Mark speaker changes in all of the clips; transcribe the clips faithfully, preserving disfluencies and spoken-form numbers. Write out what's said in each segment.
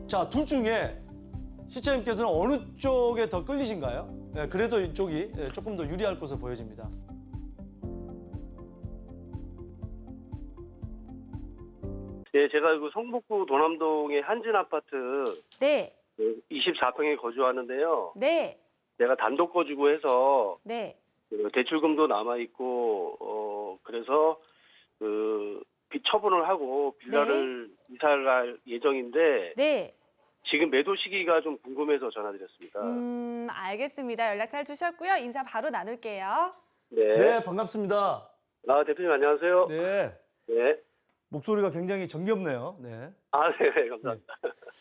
Speaker 1: 자, 둘 중에 시청자님께서는 어느 쪽에 더 끌리신가요? 예, 그래도 이쪽이 예, 조금 더 유리할 것으로 보여집니다.
Speaker 2: 예, 제가 그 성북구 도남동의 한진 아파트
Speaker 3: 네,
Speaker 2: 이십사 평에 거주하는데요.
Speaker 3: 네,
Speaker 2: 내가 단독 거주고 해서
Speaker 3: 네.
Speaker 2: 그 대출금도 남아 있고 어 그래서 그 빚 처분을 하고 빌라를 이사를 갈 예정인데
Speaker 3: 네.
Speaker 2: 지금 매도 시기가 좀 궁금해서 전화드렸습니다.
Speaker 3: 음, 알겠습니다. 연락 잘 주셨고요. 인사 바로 나눌게요.
Speaker 2: 네.
Speaker 1: 네, 반갑습니다.
Speaker 2: 아, 대표님 안녕하세요.
Speaker 1: 네,
Speaker 2: 네.
Speaker 1: 목소리가 굉장히 정겹네요. 네.
Speaker 2: 아, 네, 감사합니다.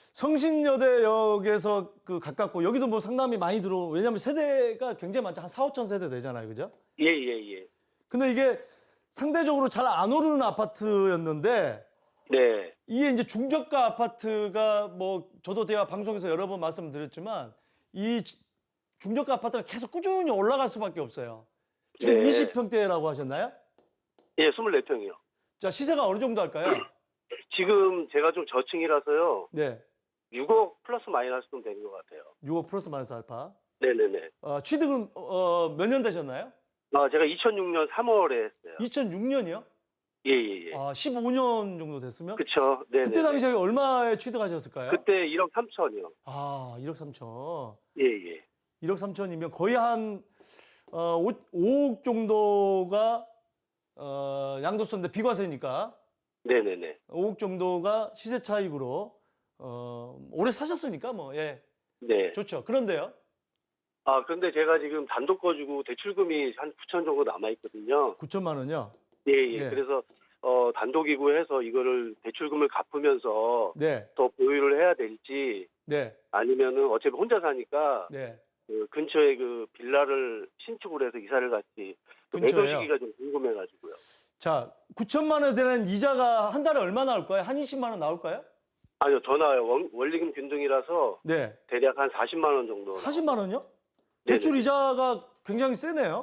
Speaker 1: 성신여대역에서 그 가깝고 여기도 뭐 상담이 많이 들어. 왜냐하면 세대가 굉장히 많죠. 한 사오천 세대 되잖아요, 그죠?
Speaker 2: 예, 예, 예.
Speaker 1: 근데 이게 상대적으로 잘 안 오르는 아파트였는데
Speaker 2: 네.
Speaker 1: 이게 이제 중저가 아파트가 뭐 저도 제가 방송에서 여러 번 말씀드렸지만 이 지- 중저가 아파트가 계속 꾸준히 올라갈 수밖에 없어요. 지금
Speaker 2: 네.
Speaker 1: 이십 평대라고 하셨나요?
Speaker 2: 예, 이십사 평이요.
Speaker 1: 자, 시세가 어느 정도 할까요?
Speaker 2: 지금 제가 좀 저층이라서요.
Speaker 1: 네,
Speaker 2: 육억 플러스 마이너스 좀 되는 것 같아요.
Speaker 1: 육억 플러스 마이너스 알파.
Speaker 2: 네네네.
Speaker 1: 어, 취득은 어, 몇 년 되셨나요?
Speaker 2: 아, 제가 이천육 년 삼월에 했어요.
Speaker 1: 이천육 년이요?
Speaker 2: 예, 예, 예.
Speaker 1: 아, 십오 년 정도 됐으면?
Speaker 2: 그쵸. 네네.
Speaker 1: 그때 당시에 얼마에 취득하셨을까요?
Speaker 2: 그때 일억 삼천이요.
Speaker 1: 아, 일억 삼천.
Speaker 2: 예, 예.
Speaker 1: 일억 삼천이면 거의 한 어, 오억 정도가 어, 양도세인데 비과세니까
Speaker 2: 네네네.
Speaker 1: 오억 정도가 시세 차익으로 어, 오래 사셨으니까 뭐 예,
Speaker 2: 네.
Speaker 1: 좋죠. 그런데요.
Speaker 2: 아, 그런데 제가 지금 단독 거주고 대출금이 한 구천 정도 남아있거든요.
Speaker 1: 구천만 원요?
Speaker 2: 예, 예.
Speaker 1: 네.
Speaker 2: 그래서, 어, 단독이고 해서 이거를 대출금을 갚으면서
Speaker 1: 네.
Speaker 2: 더 보유를 해야 될지
Speaker 1: 네.
Speaker 2: 아니면은 어차피 혼자 사니까
Speaker 1: 네.
Speaker 2: 그 근처에 그 빌라를 신축을 해서 이사를 갔지. 그 매도
Speaker 1: 근처에요?
Speaker 2: 시기가 좀 궁금해가지고요.
Speaker 1: 자, 구천만 원에 되는 이자가 한 달에 얼마 나올까요? 한 이십만 원 나올까요?
Speaker 2: 아니요, 더 나와요. 원, 원리금 균등이라서
Speaker 1: 네.
Speaker 2: 대략 한 사십만 원 정도.
Speaker 1: 사십만 원요?
Speaker 2: 네네.
Speaker 1: 대출 이자가 굉장히 세네요.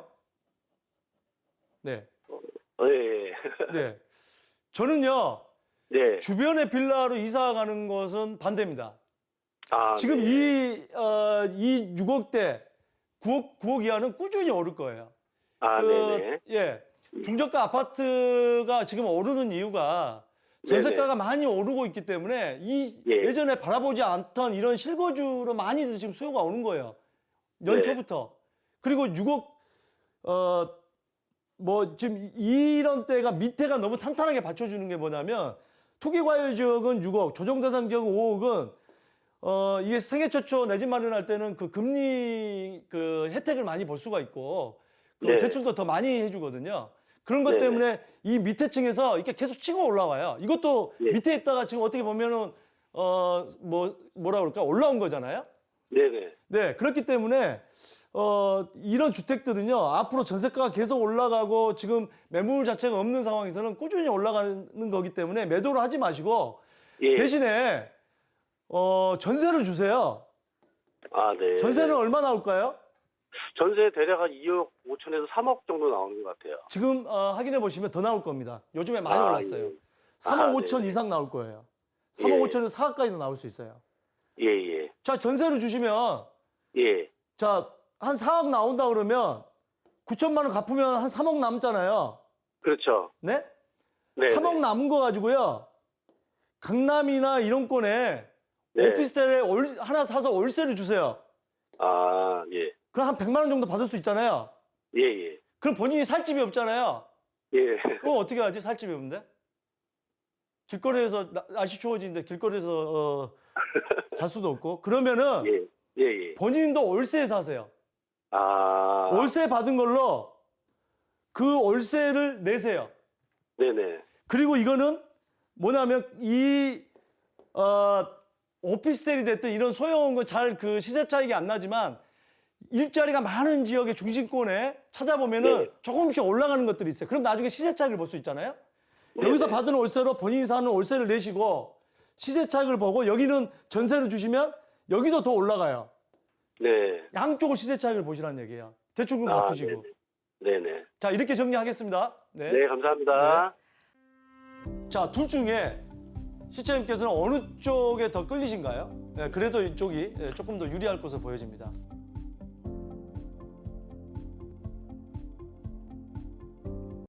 Speaker 1: 네.
Speaker 2: 어, 예, 예.
Speaker 1: 네. 저는요,
Speaker 2: 네.
Speaker 1: 주변에 빌라로 이사 가는 것은 반대입니다.
Speaker 2: 아,
Speaker 1: 지금
Speaker 2: 네.
Speaker 1: 이, 어, 이 육억대, 구억, 구억 이하는 꾸준히 오를 거예요.
Speaker 2: 아,
Speaker 1: 그,
Speaker 2: 네네.
Speaker 1: 예. 중저가 아파트가 지금 오르는 이유가 전세가가 많이 오르고 있기 때문에 이
Speaker 2: 예.
Speaker 1: 예전에 바라보지 않던 이런 실거주로 많이들 지금 수요가 오는 거예요. 연초부터. 그리고 육억, 어, 뭐 지금 이런 때가 밑에가 너무 탄탄하게 받쳐주는 게 뭐냐면 투기과열 지역은 육억, 조정대상 지역은 오억은 어, 이게 생애 최초 내 집 마련할 때는 그 금리 그 혜택을 많이 볼 수가 있고 그
Speaker 2: 네.
Speaker 1: 대출도 더 많이 해주거든요. 그런 것
Speaker 2: 네네.
Speaker 1: 때문에 이 밑에 층에서 이렇게 계속 치고 올라와요. 이것도
Speaker 2: 예.
Speaker 1: 밑에 있다가 지금 어떻게 보면은 어, 뭐, 뭐라 그럴까? 올라온 거잖아요.
Speaker 2: 네네.
Speaker 1: 네, 그렇기 때문에 어, 이런 주택들은요 앞으로 전세가가 계속 올라가고 지금 매물 자체가 없는 상황에서는 꾸준히 올라가는 거기 때문에 매도를 하지 마시고
Speaker 2: 예.
Speaker 1: 대신에 어, 전세를 주세요.
Speaker 2: 아, 네.
Speaker 1: 전세는 얼마 나올까요?
Speaker 2: 전세 대략 한 이억 오천에서 삼억 정도 나오는 것 같아요.
Speaker 1: 지금 어, 확인해 보시면 더 나올 겁니다. 요즘에 많이
Speaker 2: 아,
Speaker 1: 올랐어요.
Speaker 2: 예.
Speaker 1: 삼억
Speaker 2: 아,
Speaker 1: 오천
Speaker 2: 네네.
Speaker 1: 이상 나올 거예요. 삼억
Speaker 2: 예.
Speaker 1: 오천에서 사억까지도 나올 수 있어요.
Speaker 2: 예, 예.
Speaker 1: 자, 전세를 주시면
Speaker 2: 예.
Speaker 1: 자, 한 사억 나온다 그러면 구천만 원 갚으면 한 삼억 남잖아요.
Speaker 2: 그렇죠.
Speaker 1: 네?
Speaker 2: 네.
Speaker 1: 삼억 남은 거 가지고요. 강남이나 이런 권에
Speaker 2: 네.
Speaker 1: 오피스텔에 월- 하나 사서 월세를 주세요.
Speaker 2: 아, 예.
Speaker 1: 그럼 한 백만 원 정도 받을 수 있잖아요.
Speaker 2: 예, 예.
Speaker 1: 그럼 본인이 살 집이 없잖아요.
Speaker 2: 예.
Speaker 1: 그럼 어떻게 하지? 살 집이 없는데? 길거리에서 나- 날씨 추워지는데 길거리에서 어, 잘 수도 없고 그러면은
Speaker 2: 예. 예, 예.
Speaker 1: 본인도 월세에 사세요.
Speaker 2: 아.
Speaker 1: 월세 받은 걸로 그 월세를 내세요.
Speaker 2: 네네.
Speaker 1: 그리고 이거는 뭐냐면 이 어, 오피스텔이 됐든 이런 소형 잘 그 시세 차익이 안 나지만 일자리가 많은 지역의 중심권에 찾아보면은
Speaker 2: 네.
Speaker 1: 조금씩 올라가는 것들이 있어요. 그럼 나중에 시세 차익을 볼 수 있잖아요.
Speaker 2: 네네.
Speaker 1: 여기서 받은 월세로 본인이 사는 월세를 내시고 시세 차익을 보고 여기는 전세를 주시면 여기도 더 올라가요.
Speaker 2: 네.
Speaker 1: 양쪽을 시세 차익을 보시라는 얘기예요. 대출금
Speaker 2: 아,
Speaker 1: 갚으시고.
Speaker 2: 네네. 네네.
Speaker 1: 자, 이렇게 정리하겠습니다. 네.
Speaker 2: 네, 감사합니다.
Speaker 1: 자, 둘 중에 시청자님께서는 어느 쪽에 더 끌리신가요? 예, 그래도 이쪽이 예, 조금 더 유리할 것으로 보여집니다.